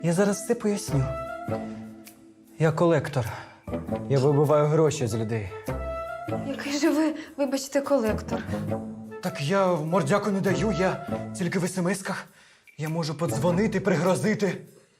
Я зараз все поясню. Я колектор. Я вибиваю гроші з людей. Який же ви, вибачте, колектор? Так я мордяку не даю, я тільки в смс-ках. Я можу подзвонити, пригрозити.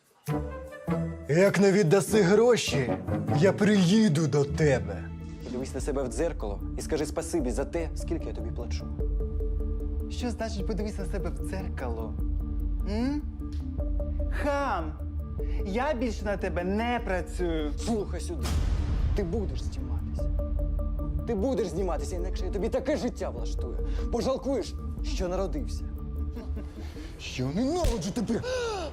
Як не віддаси гроші, я приїду до тебе. Подивись на себе в дзеркало і скажи спасибі за те, скільки я тобі плачу. Що значить подивись на себе в дзеркало? М? Хам! Я більше на тебе не працюю. Слухай сюди. Ти будеш зніматися. Ти будеш зніматися, інакше я тобі таке життя влаштую. Пожалкуєш, що народився. Я ненавиджу тебе!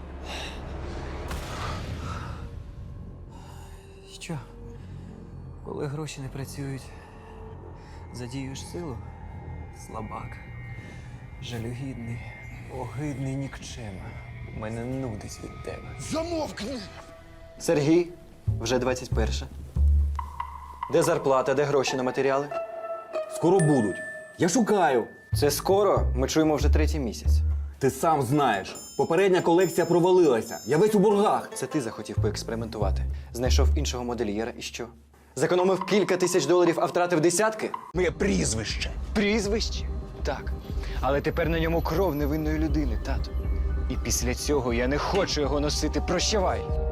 Що? Коли гроші не працюють, задіюєш силу? Слабак. Жалюгідний, огидний нікчема. Мене нудить від тебе. Замовкни! Сергій, вже 21. Де зарплата, де гроші на матеріали? Скоро будуть. Я шукаю. Це скоро, ми чуємо вже 3-й місяць. Ти сам знаєш. Попередня колекція провалилася. Я весь у боргах. Це ти захотів поекспериментувати. Знайшов іншого модельєра і що? Зекономив кілька тисяч доларів, а втратив десятки? Моє прізвище. Прізвище? Так. Але тепер на ньому кров невинної людини, тато. І після цього я не хочу його носити. Прощавай!